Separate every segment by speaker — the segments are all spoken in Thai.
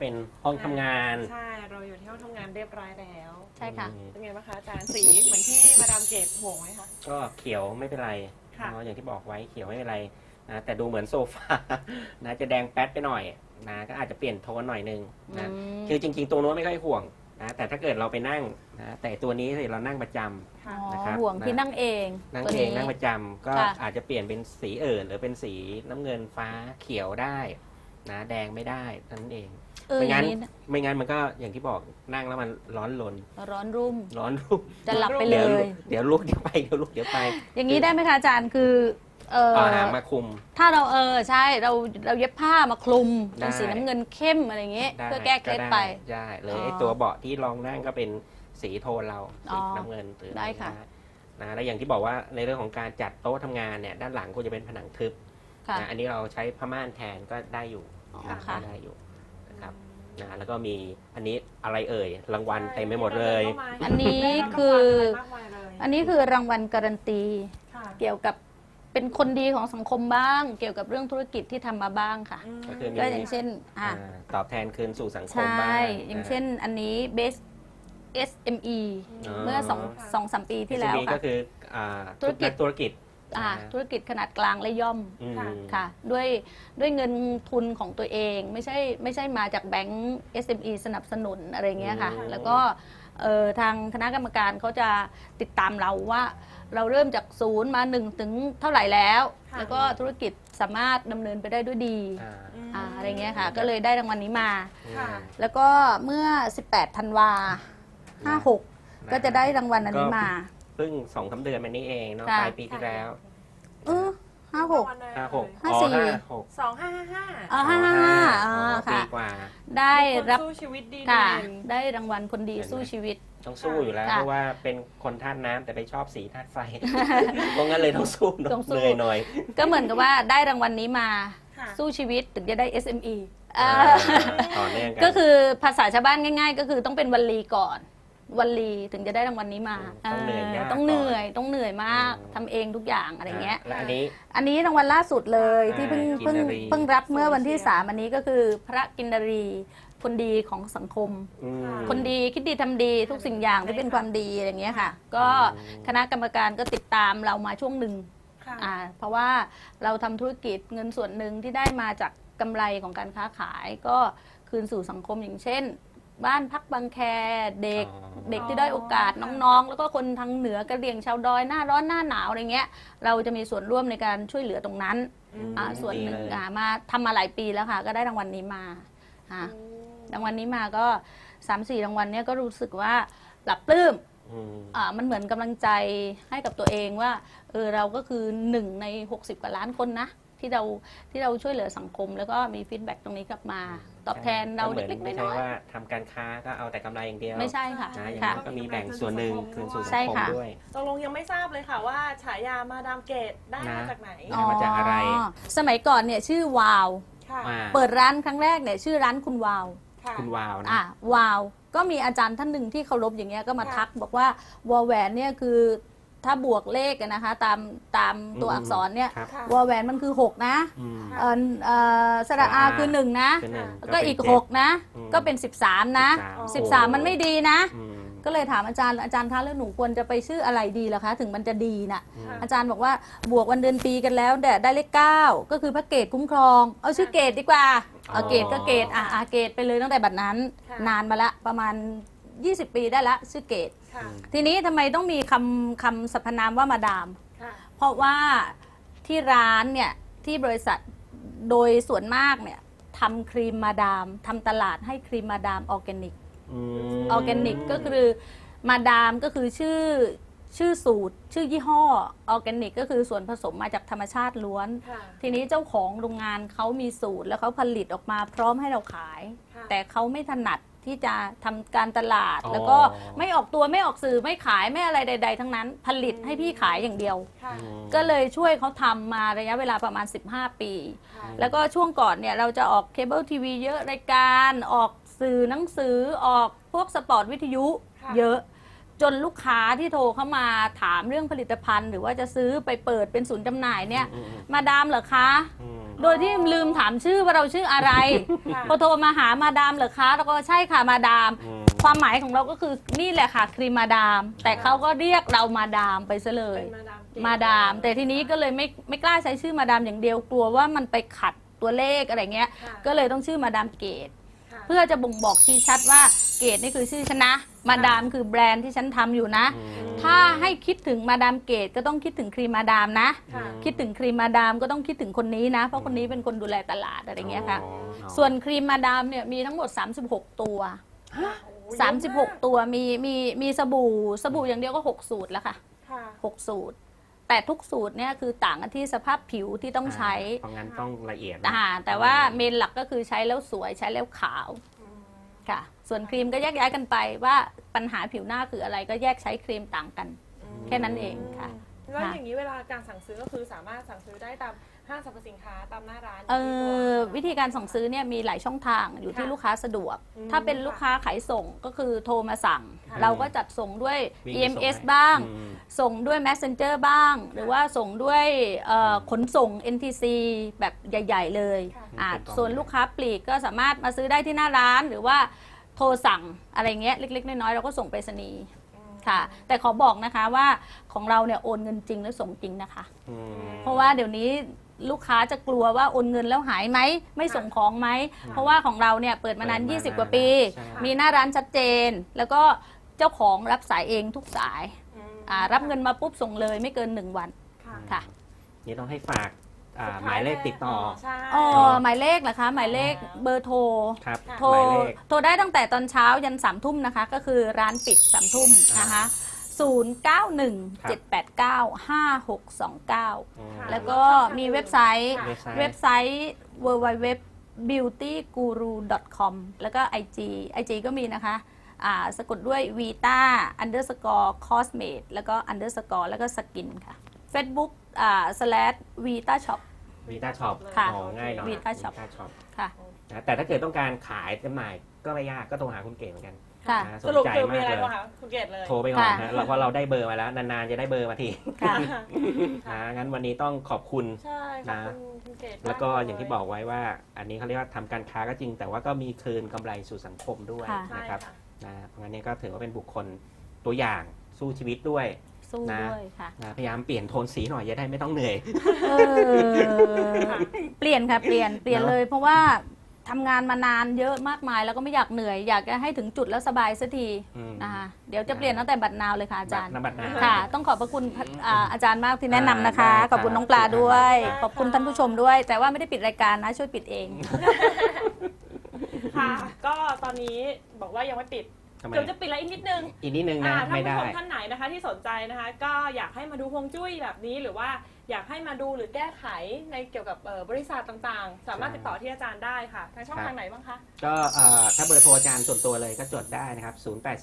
Speaker 1: เป็นห้องทำงาน
Speaker 2: ใช่เราอยู่ที่ห้องทำงานเรียบร้อยแล้ว
Speaker 3: ใช่ค่ะ
Speaker 2: เป็นไงบ้างคะอาจารย์สีเหมือนที่มาดามเกตห่วงไหมคะ
Speaker 1: ก็เขียวไม่เป็นไร
Speaker 2: ค่ะ
Speaker 1: เนาะอย่างที่บอกไว้เขียวไม่เป็นไรนะแต่ดูเหมือนโซฟา นะจะแดงแป๊ดไปหน่อยนะก็อาจจะเปลี่ยนโทนหน่อยนึงนะ คือจริงๆตัวโน้นไม่ค่อยห่วงนะแต่ถ้าเกิดเราไปนั่งนะแต่ตัวนี้สิเรานั่งประจำ
Speaker 2: ค่ะ
Speaker 3: อ๋อ
Speaker 1: นะครับ
Speaker 3: ห่วงที่นั่งเอง
Speaker 1: นั่ง
Speaker 3: ตัว
Speaker 1: เอง
Speaker 3: นี้
Speaker 1: นั่งประจำก็
Speaker 3: ค่ะ
Speaker 1: อาจจะเปลี่ยนเป็นสีอื่นหรือเป็นสีน้ำเงินฟ้าเขียวได้นะแดงไม่ได้เท่านั้นเอง
Speaker 3: อ
Speaker 1: ไม่
Speaker 3: ย่า
Speaker 1: งั้น
Speaker 3: งนี้
Speaker 1: ไม่งั้นมันก็อย่างที่บอกนั่งแล้วมันร้อนรน
Speaker 3: ร้อนรุ่ม
Speaker 1: ร้อนรุ่ม
Speaker 3: จะหลับไปเล
Speaker 1: เดี๋ยวย ลุกเดี๋ยวไปเดี๋ยวลุกเดี๋ยวไป
Speaker 3: อย่างนี้ได้ไหมคะอาจารย์คือ
Speaker 1: เอาหางมาคุม
Speaker 3: ถ้าเราใช่เราเย็บผ้ามาคลุม
Speaker 1: ได้
Speaker 3: เป็นสีน้ำเงินเข้มอะไรอย่างเงี้ย
Speaker 1: ได้
Speaker 3: เพื่อแก้เคล็ดไป
Speaker 1: ใช่เลย
Speaker 3: อ๋อ
Speaker 1: ไอ้ตัวเบาะที่รองนั่งก็เป็นสีโทนเรา
Speaker 3: อ๋
Speaker 1: สี
Speaker 3: อ
Speaker 1: น้ำเงินหรือ
Speaker 3: ได้ค่ะ
Speaker 1: นะแล้วอย่างที่บอกว่าในเรื่องของการจัดโต๊ะทำงานเนี่ยด้านหลังควรจะเป็นผนังทึบ
Speaker 3: ค่ะ
Speaker 1: นะอันนี้เราใช้ผ้าม่านแทนก็ได้อยู่
Speaker 3: อ๋อ
Speaker 1: นะ
Speaker 3: ค่ะ
Speaker 1: ได้อยู่นะครับนะแล้วก็มีอันนี้อะไรเอ่ยรางวัลเต็มไปหมดเลย
Speaker 3: อันนี้คือ อันนี้คือรางวัลการันตี
Speaker 2: ค่ะ
Speaker 3: เกี่ยวกับเป็นคนดีของสังคมบ้าง เกี่ยวกับเรื่องธุรกิจที่ทำมาบ้างค่ะ
Speaker 1: ก็คือมี
Speaker 3: ก็อย่างเช่น
Speaker 1: ตอบแทนคืนสู่สังค
Speaker 3: ใช
Speaker 1: มบ้า
Speaker 3: ่
Speaker 1: ง
Speaker 3: อย่างเช่นอันนี้ Best SME เมื่อ2-3 ปีที่แล้ว
Speaker 1: ก็
Speaker 3: ค่ะ
Speaker 1: คือ
Speaker 3: ธุรกิจ
Speaker 1: ธุรกิจ
Speaker 3: ธุรกิจขนาดกลางและย่อม
Speaker 1: อืม
Speaker 3: ค่ะด้วยเงินทุนของตัวเองไม่ใช่มาจากแบงก์ SME สนับสนุนอะไรเงี้ยค่ะ
Speaker 1: อืม
Speaker 3: แล้วก็ทางคณะกรรมการเขาจะติดตามเราว่าเราเริ่มจากศูนย์มา1ถึงเท่าไหร่แล้ว
Speaker 2: ค่ะ
Speaker 3: แล้วก็ธุรกิจสามารถดำเนินไปได้ด้วยดี อะไรเงี้ยค่ะ ก็เลยได้รางวัลนี้มา
Speaker 2: ค่ะ
Speaker 3: แล้วก็เมื่อ 18 ธันวา 56 ก็จะได้รางวัลอันนี้มา
Speaker 1: เพิ่ง2-3 เดือนมานี้เองเนาะ
Speaker 3: ค่ะ
Speaker 1: ปลายปีที่แล้ว
Speaker 3: 56
Speaker 1: 56
Speaker 2: 2555
Speaker 3: 55
Speaker 1: ปี
Speaker 3: ค่ะ
Speaker 1: กว่า
Speaker 3: ได้รับ
Speaker 2: สู้ชีวิตดี
Speaker 3: ค่ะ
Speaker 2: เด่น
Speaker 3: ได้รางวัลคนดีสู้ชีวิต
Speaker 1: ต้องสู้อยู่แล้ว
Speaker 3: ค่ะ
Speaker 1: เพราะว่าเป็นคนธาตุน้ำแต่ไปชอบสีธาตุไฟ เพราะงั้นเลยต้องสู้
Speaker 3: ต้องสู้
Speaker 1: เหนื่อยหน่อย
Speaker 3: ก็เหมือนกับว่าได้รางวัลนี้มา
Speaker 2: ค่ะ
Speaker 3: สู้ชีวิตถึงจะได้ SME
Speaker 1: ต่อเนื่องกัน
Speaker 3: ก็คือภาษาชาวบ้านง่าย ๆ ก็คือต้องเป็นวลีก่อนวลีถึงจะได้รางวัลนี้มา
Speaker 1: ต้องเหนื่อยยาก
Speaker 3: ต้องเหนื่อย
Speaker 1: ก่อน
Speaker 3: ต้องเหนื่อยมากทำเองทุกอย่างอะไรเงี้ย
Speaker 1: และอันนี้
Speaker 3: อันนี้รางวัลล่าสุดเลยที่เพิ่ง
Speaker 1: กินนารี
Speaker 3: รับเมื่อวันที่ 3 อันนี้ก็คือพระกินนารีคนดีของสังคม
Speaker 1: อืม
Speaker 3: คนดีคิดดีทำดีทุกสิ่งอย่างที่เป็นความดีอะไรเงี้ยค่ะ ก็คณะกรรมการก็ติดตามเรามาช่วงหนึ่ง
Speaker 2: ค่ะ
Speaker 3: เพราะว่าเราทำธุรกิจเงินส่วนหนึ่งที่ได้มาจากกำไรของการค้าขาย ก็คืนสู่สังคมอย่างเช่น บ้านพักบางแคเด็ก เด็กที่ได้อยโอกาสน้องๆ แล้วก็คนทางเหนือกระเหรี่ยงชาวดอยหน้าร้อนหน้าหนาวอะไรเงี้ยเราจะมีส่วนร่วมในการช่วยเหลือตรงนั้น ส่วนหนึ่ง
Speaker 1: ดีเลย
Speaker 3: มาทำมาหลายปีแล้วค่ะ ก็ได้รางวัลนี้มาอ่ะรางวัลนี้มาก็ 3-4 รางวัลเนี้ยก็รู้สึกว่าปรับปลื้ม
Speaker 1: อืม
Speaker 3: มันเหมือนกำลังใจให้กับตัวเองว่าเราก็คือ1ใน60 กว่าล้านคนนะที่เราช่วยเหลือสังคม แล้วก็มีฟีดแบ็กตรงนี้กลับมา ตอบแทนเรา
Speaker 1: ก็หมือน
Speaker 3: เล็กๆ
Speaker 1: ไม่
Speaker 3: น้
Speaker 1: ใช่
Speaker 3: อย
Speaker 1: ว่าทำการค้าก็เอาแต่กำไรอย่างเดียว
Speaker 3: ๆไม่ใช่ค่ะ
Speaker 1: นะอย่าง
Speaker 3: ค่ะ
Speaker 1: นั้นก็มีแบ่งส่วนหนึ่งคืนสู่สั
Speaker 3: ใช่
Speaker 1: งคม
Speaker 3: ค่ะ
Speaker 1: ด้วย
Speaker 2: ตกลงยังไม่ทราบเลยค่ะว่าฉายามาดามเกตได้มา
Speaker 1: นะ
Speaker 2: จากไหน
Speaker 1: มาจากอะไร
Speaker 3: สมัยก่อนเนี่ยชื่อวาว
Speaker 2: ค่ะ
Speaker 1: มา
Speaker 3: เปิดร้านครั้งแรกเนี่ยชื่อร้านคุณวาว
Speaker 2: ค่ะ
Speaker 1: คุณวาวนะ
Speaker 3: วาว ก็มีอาจารย์ท่านหนึ่งที่เคารพอย่างเงี้ยก็มา
Speaker 2: ค่ะ
Speaker 3: ทักบอกว่าวอแหวนเนี่ยคือถ้าบวกเลขอะนะคะตามตัวอักษรเนี่ย
Speaker 1: ครับ
Speaker 2: ค่ะ
Speaker 3: วอแหวนมันคือ 6 นะ
Speaker 1: อืม
Speaker 2: ค่ะ
Speaker 3: สระอาคือ 1 นะ
Speaker 1: คือหนึ่ง
Speaker 3: แล้วก็อีก
Speaker 1: เป็นเจ็ด
Speaker 3: 6 นะ
Speaker 1: อืม
Speaker 3: ก็เป็น 13 นะ 13 มันไม่ดีนะ
Speaker 1: อืม
Speaker 3: ก็เลยถามอาจารย์คะแล้วหนูควรจะไปชื่ออะไรดีล่ะคะ ถึงมันจะดีน่ะ
Speaker 1: อืม
Speaker 3: อาจารย์บอกว่าบวกวันเดือนปีกันแล้วแต่ได้เลข 9 ก็คือพระเกตคุ้มครอง เอาชื่อเกตดีกว่าเอาเกตก็เกตเกตไปเลยตั้งแต่บัดนั้น
Speaker 2: ค่ะ
Speaker 3: นานมาละประมาณ 20 ปีได้ละชื่อเกต
Speaker 2: ค่ะ
Speaker 3: ทีนี้ทำไมต้องมีคำสรรพนามว่ามาดาม
Speaker 2: ค่ะ
Speaker 3: เพราะว่าที่ร้านเนี่ยที่บริษัทโดยส่วนมากเนี่ยทำครีมมาดามทำตลาดให้ครีมมาดามออร์แกนิก
Speaker 1: อืม
Speaker 3: ออร์แกนิกก็คือมาดามก็คือชื่อสูตร ชื่อยี่ห้อออร์แกนิกก็คือส่วนผสมมาจากธรรมชาติล้วน
Speaker 2: ค่ะ
Speaker 3: ทีนี้เจ้าของโรงงานเขามีสูตรแล้วเขาผลิตออกมาพร้อมให้เราขาย
Speaker 2: ค่ะ
Speaker 3: แต่เขาไม่ถนัดที่จะทำการตลาด
Speaker 1: อ๋อ
Speaker 3: แล้วก็ไม่ออกตัวไม่ออกสื่อไม่ขายไม่อะไรใด ๆ ทั้งนั้น ผลิตให้พี่ขายอย่างเดียว
Speaker 2: ค่ะ
Speaker 1: อืม
Speaker 3: ก็เลยช่วยเขาทำมาระยะเวลาประมาณ 15 ปี
Speaker 2: ค่ะ
Speaker 3: แล้วก็ช่วงก่อนเนี่ยเราจะออกเคเบิลทีวีเยอะรายการออกสื่อหนังสือออกพวกสปอร์ตวิทยุ
Speaker 2: ค่ะ
Speaker 3: เยอะจนลูกค้าที่โทรเข้ามาถามเรื่องผลิตภัณฑ์ หรือว่าจะซื้อไปเปิดเป็นศูนย์จำหน่ายเนี่ย
Speaker 1: อืม
Speaker 3: มาดามเหรอคะ
Speaker 1: อืม
Speaker 3: โดยที่ลืมถามชื่อว่าเราชื่ออะไร
Speaker 2: ค่ะ
Speaker 3: พอโทรมาหามาดามเหรอคะแล้วก็ใช่ค่ะมาดาม
Speaker 1: อืม
Speaker 3: ความหมายของเราก็คือนี่แหละค่ะครีมมาดาม แต่เขาก็เรียกเรามาดามไปซะเลย
Speaker 2: เป็นมาดามเกต
Speaker 3: มาดาม แต่ทีนี้ก็เลยไม่กล้าใช้ชื่อมาดามอย่างเดียวกลัวว่ามันไปขัดตัวเลขอะไรเงี้ย
Speaker 2: ค่ะ
Speaker 3: ก็เลยต้องชื่อมาดามเกต
Speaker 2: ค่ะ
Speaker 3: เพื่อจะบ่งบอกชี้ชัดว่าเกตนี่คือชื่อฉันนะ มาดามคือแบรนด์ที่ฉันทำอยู่นะ
Speaker 1: อืม
Speaker 3: ถ้าให้คิดถึงมาดามเกตก็ต้องคิดถึงครีมมาดามนะ
Speaker 2: ค่ะ
Speaker 3: คิดถึงครีมมาดามก็ต้องคิดถึงคนนี้นะ เพราะคนนี้เป็นคนดูแลตลาดอะไรเงี้ยค่ะ
Speaker 1: อ๋อ
Speaker 3: ส่วนครีมมาดามเนี่ยมีทั้งหมด 36 ตัว
Speaker 2: โอ้โหเยอะมาก
Speaker 3: 36 ตัวมีสบู่อย่างเดียวก็ 6 สูตรแล้วค่ะ
Speaker 2: ค่ะ
Speaker 3: 6 สูตร แต่ทุกสูตรเนี่ยคือต่างกันที่สภาพผิวที่ต้องใช้
Speaker 1: เพราะงั้นต้องละเอียดนะ
Speaker 3: แต่ว่าเมนหลักก็คือใช้แล้วสวยใช้แล้วขาว
Speaker 2: อืม
Speaker 3: ค่ะ ส่วนครีมก็แยกย้ายกันไปว่าปัญหาผิวหน้าคืออะไรก็แยกใช้ครีมต่างกัน แค่นั้นเองค่ะ
Speaker 2: แล้ว
Speaker 3: ค่ะ
Speaker 2: อย่างนี้เวลาการสั่งซื้อก็คือสามารถสั่งซื้อได้ตามห้างสรรพสินค้าตามหน้าร้าน
Speaker 3: วิธีการสั่งซื้อเนี่ยมีหลายช่องทางอยู่ที่
Speaker 2: ค่ะ
Speaker 3: ลูกค้าสะดวก
Speaker 2: อืม
Speaker 3: ถ้าเป็นลูกค้าขายส่งก็คือโทรมาสั่ง
Speaker 2: ค่ะ
Speaker 3: เราก็จัดส่งด้วย
Speaker 1: วิ่งไปส่ง
Speaker 3: EMS
Speaker 1: ให้
Speaker 3: บ้าง
Speaker 1: อืม
Speaker 3: ส่งด้วย Messenger บ้าง หรือว่าส่งด้วยขนส่ง NTC แบบใหญ่ ๆ เลย
Speaker 2: ค่ะ
Speaker 3: อ่า
Speaker 1: เป็นกล่อง
Speaker 3: ส่วนลูกค้าปลีกก็สามารถมาซื้อได้ที่หน้าร้าน หรือว่าโทรสั่งอะไรเงี้ยเล็ก ๆ น้อย ๆ เราก็ส่งไปรษณีย์
Speaker 2: อืม
Speaker 3: ค่ะ แต่ขอบอกนะคะว่าของเราเนี่ยโอนเงินจริงและส่งจริงนะคะ
Speaker 1: อืม
Speaker 3: เพราะว่าเดี๋ยวนี้ลูกค้าจะกลัวว่าโอนเงินแล้วหายไหมไม่ส่งของไหม เพราะว่าของเราเนี่ยเปิดมานาน
Speaker 1: เปิดมานาน
Speaker 3: 20 กว่าปี
Speaker 1: ใช่
Speaker 3: มีหน้าร้านชัดเจน แล้วก็เจ้าของรับสายเองทุกสาย
Speaker 2: อืม
Speaker 3: รับเงินมาปุ๊บส่งเลยไม่เกิน 1 วัน
Speaker 2: ค่ะ
Speaker 3: ค่ะ
Speaker 1: นี่ต้องให้ฝาก
Speaker 2: สุด
Speaker 1: หมายเลขติดต่อ
Speaker 2: ใช่
Speaker 3: อ๋อหมายเลขเหรอคะ หมายเลขเบอร์โทร
Speaker 1: ครับ
Speaker 2: ค่ะ
Speaker 3: โทร
Speaker 1: หมายเลข
Speaker 3: โทรได้ตั้งแต่ตอนเช้ายัน3 ทุ่มนะคะ ก็คือร้านปิด3 ทุ่มนะคะ 0917895629
Speaker 1: อืม
Speaker 3: แล้วก็มีเว็บไซต์
Speaker 2: ค่ะ
Speaker 3: เว็บไซต์ www.beautyguru.com แล้วก็ IG ก็มีนะคะสะกดด้วย vita underscore cosmate แล้วก็ underscore แล้วก็ skin ค่ะ Facebook /vita shop
Speaker 1: วีต้าช็อป
Speaker 3: ค่ะ
Speaker 1: ง่ายหน่อย
Speaker 3: Vita Shop ค่ะ
Speaker 1: นะแต่ถ้าเกิดต้องการขายจำหน่ายก็ไม่ยากก็โทรหาคุณเก๋เหมือนกัน
Speaker 3: ค่ะ
Speaker 1: นะ
Speaker 2: สรุป
Speaker 1: ใจ
Speaker 2: คือมี
Speaker 1: มาก
Speaker 2: อะไร
Speaker 1: เลย
Speaker 2: บ้างคะคุณเกดเลย
Speaker 1: โทรไปก่อน
Speaker 3: ค่ะ
Speaker 1: นะเพราะเราได้เบอร์มาแล้วนานๆจะได้เบอร์มาที
Speaker 3: ค่ะ
Speaker 1: นะงั้นวันนี้ต้องขอบคุณ
Speaker 2: ใช่ขอบคุณคุณเกด
Speaker 1: แล้วก็
Speaker 2: มเล
Speaker 1: อย่างที่บอกไว้ว่า อันนี้เขาเรียกว่าทำการค้าก็จริง แต่ว่าก็มีคืนกำไรสู่สังคมด้วย
Speaker 3: ค่ะ
Speaker 2: ใช่
Speaker 1: นะครับ
Speaker 2: ค่ะ
Speaker 1: นะเพราะงั้นเนี่ยก็ถือว่าเป็นบุคคลตัวอย่างสู้ชีวิตด้วย
Speaker 3: สู้
Speaker 1: นะ
Speaker 3: ด้วยค่ะ
Speaker 1: นะพยายามเปลี่ยนโทนสีหน่อยจะได้ไม่ต้องเหนื่อย
Speaker 3: เออเปลี่ยนค่ะเปลี่ยน
Speaker 1: เนอะ
Speaker 3: เลย เพราะว่าทำงานมานานเยอะมากมายแล้วก็ไม่อยากเหนื่อย อยากจะให้ถึงจุดแล้วสบายสักที
Speaker 1: อืม
Speaker 3: นะคะเดี๋ยวจะเปลี่ยนตั้งแต่บัดนาวเลยค่ะอาจารย์
Speaker 1: น้ำบัตรนา
Speaker 3: ค่ะ ต้องขอบพระคุณอาจารย์มากที่แนะนำนะคะ
Speaker 1: ได้ครับ
Speaker 3: ขอบคุณน้องปลาด้วย
Speaker 2: ได้ค่ะ
Speaker 3: ขอบคุณท่านผู้ชมด้วย แต่ว่าไม่ได้ปิดรายการนะ ช่วยปิดเอง
Speaker 2: ค่ะ ก็ตอนนี้บอกว่ายังไม่ปิด
Speaker 1: ทำไม
Speaker 2: เดี๋ยวจะปิดแล้วอีกนิดนึง
Speaker 1: อีกนิดนึงนะ
Speaker 2: ท่าน
Speaker 1: ไม่
Speaker 2: ผู้
Speaker 1: ได้
Speaker 2: ชมท่านไหนนะคะที่สนใจนะคะ ก็อยากให้มาดูฮวงจุ้ยแบบนี้หรือว่าอยากให้มาดูหรือแก้ไขในเกี่ยวกับบริษัทต่างๆ สามารถติดต่อที่อาจารย์ได้ค่ะทางช่องทางไหนบ้างคะ
Speaker 1: ก็ถ้าเบอร์โทรอาจารย์ส่วนตัวเลยก็จดได้นะครับ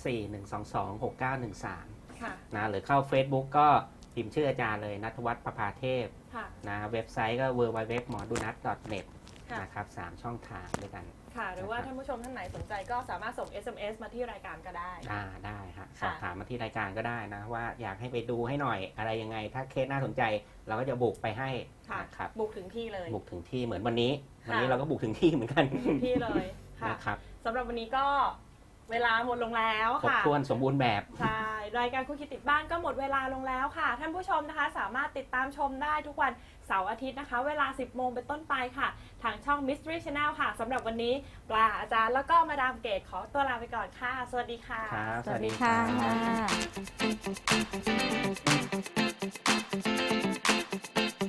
Speaker 1: 0841226913
Speaker 2: ค่ะ
Speaker 1: นะหรือเข้า Facebook ก็พิมพ์ชื่ออาจารย์เลยณัฐวัฒน์ประภาเทพ
Speaker 2: ค่ะ
Speaker 1: นะเว็บไซต์ก็ www.modunat.net
Speaker 2: ค่ะ
Speaker 1: นะครับ3ช่องทางด้วยกัน
Speaker 2: ค่ะ หรือว่าท่านผู้ชมท่านไหนสนใจก็สามารถส่ง SMS มาที่รายการก็ได้
Speaker 1: ได้ฮะส
Speaker 2: ค่ะ
Speaker 1: อบถามมาที่รายการก็ได้นะว่าอยากให้ไปดูให้หน่อยอะไรยังไง ถ้าเคสน่าสนใจเราก็จะบุกไปให้
Speaker 2: ค่ะ
Speaker 1: นะครับ
Speaker 2: บุกถึงที่เลย
Speaker 1: บุกถึงที่เหมือนวันนี้
Speaker 2: ค่ะ
Speaker 1: วันนี้เราก็บุกถึงที่เหมือนกัน
Speaker 2: ถึงที่เลยค่ะ
Speaker 1: นะครับ
Speaker 2: สำหรับวันนี้ก็เวลาหมดลงแล้ว
Speaker 1: ครบ
Speaker 2: ค่ะ
Speaker 1: ถ้วนสมบูรณ์แบบ
Speaker 2: ใช่ รายการคุกคิดติดบ้านก็หมดเวลาลงแล้วค่ะ ท่านผู้ชมนะคะ สามารถติดตามชมได้ทุกวันเสาร์อาทิตย์นะคะ เวลา 10 โมงเป็นต้นไปค่ะ ทางช่อง Mystery Channel ค่ะสำหรับวันนี้ปลาอาจารย์แล้วก็มาดามเกตขอตัวลาไปก่อนค่ะ สวัสดีค่ะ
Speaker 1: ครับ
Speaker 3: สวัสดีค่ะ
Speaker 1: รับ